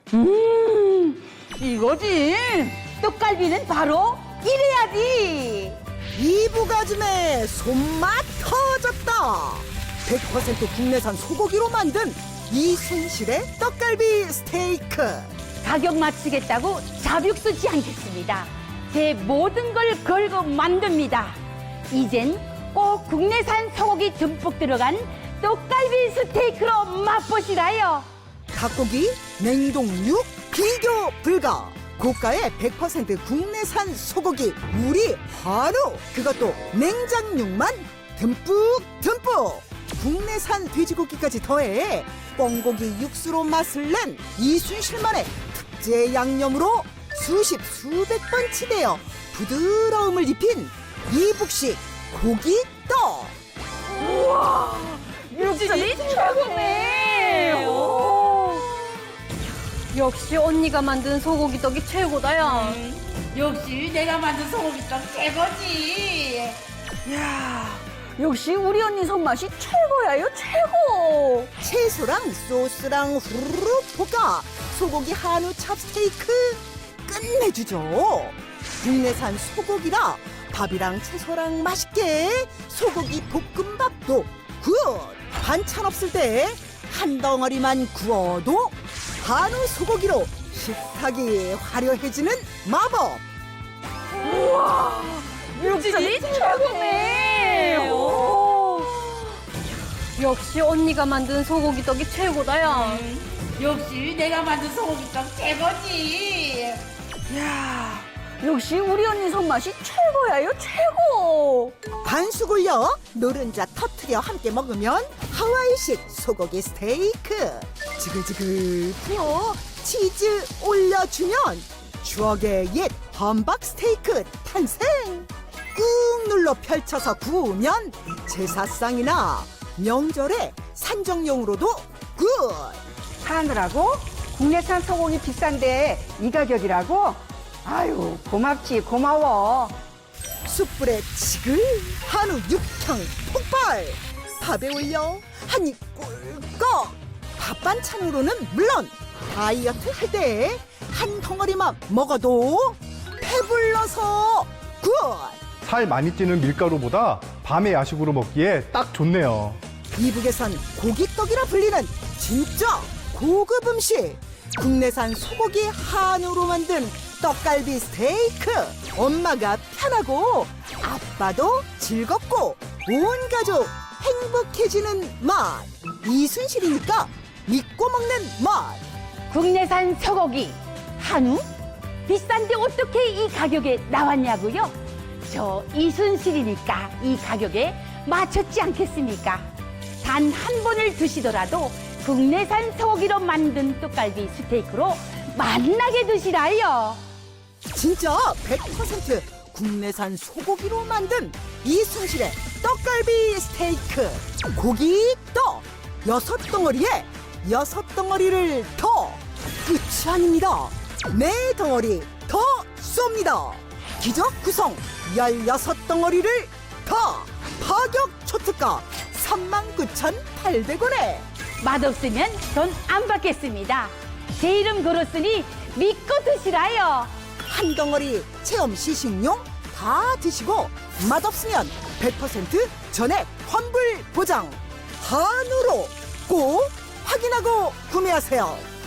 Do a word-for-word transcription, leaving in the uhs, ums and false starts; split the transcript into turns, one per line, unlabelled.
음, 이거지. 떡갈비는 바로 이래야지.
이부가즘의 손맛 터졌다. 백 퍼센트 국내산 소고기로 만든 이순실의 떡갈비 스테이크.
가격 맞추겠다고 자벽 쓰지 않겠습니다. 제 모든 걸 걸고 만듭니다. 이젠 꼭 국내산 소고기 듬뿍 들어간 떡갈비 스테이크로 맛보시라요.
닭고기, 냉동육, 비교 불가. 고가의 백 퍼센트 국내산 소고기, 우리 한우. 그것도 냉장육만 듬뿍 듬뿍. 국내산 돼지고기까지 더해 뻥고기 육수로 맛을 낸 이순실만의 특제 양념으로 수십 수백 번 치대어 부드러움을 입힌 이북식 고기떡.
육질이 최고네. 오.
역시 언니가 만든 소고기 떡이 최고다야.
역시 내가 만든 소고기떡 최고지.
야, 역시 우리 언니 손맛이 최고야요, 최고.
채소랑 소스랑 후루룩 볶아 소고기 한우 찹스테이크 끝내주죠. 국내산 소고기라 밥이랑 채소랑 맛있게 소고기 볶음밥도 굿. 반찬 없을 때 한 덩어리만 구워도 한우 소고기로 식탁이 화려해지는 마법.
육질이 최고네. 오.
역시 언니가 만든 소고기 떡이 최고다야.
역시 내가 만든 소고기떡 최고지.
야, 역시 우리 언니 손맛이 최고야요, 최고.
반숙 올려 노른자 터트려 함께 먹으면 하와이식 소고기 스테이크. 지글지글 부어 치즈 올려주면 추억의 옛 함박 스테이크 탄생. 꾹 눌러 펼쳐서 구우면 제사상이나 명절에 산정용으로도 굿.
하느라고 국내산 소고기 비싼데 이 가격이라고? 아유, 고맙지, 고마워.
숯불에 지글 한우 육향 폭발. 밥에 올려 한입 꿀꺽. 밥 반찬으로는 물론 다이어트 할 때 한 덩어리만 먹어도 배불러서 굿.
살 많이 찌는 밀가루보다 밤에 야식으로 먹기에 딱 좋네요.
이북에선 고기떡이라 불리는 진짜 고급 음식. 국내산 소고기 한우로 만든 떡갈비 스테이크. 엄마가 편하고 아빠도 즐겁고 온 가족 행복해지는 맛. 이순실이니까 믿고 먹는 맛.
국내산 소고기, 한우? 비싼데 어떻게 이 가격에 나왔냐고요? 저 이순실이니까 이 가격에 맞췄지 않겠습니까? 단 한 번을 드시더라도 국내산 소고기로 만든 떡갈비 스테이크로 맛나게 드시라요.
진짜 백 퍼센트 국내산 소고기로 만든 이순실의 떡갈비 스테이크. 고기떡 여섯 덩어리에 여섯 덩어리를 더. 끝이 아닙니다. 네 덩어리 더 쏩니다. 기적 구성 열여섯 덩어리를 더. 파격 초특가 삼만 구천팔백 원에.
맛없으면 돈 안 받겠습니다. 제 이름 걸었으니 믿고 드시라요.
한 덩어리 체험 시식용 다 드시고 맛없으면 백 퍼센트 전액 환불 보장. 한우로 꼭 확인하고 구매하세요.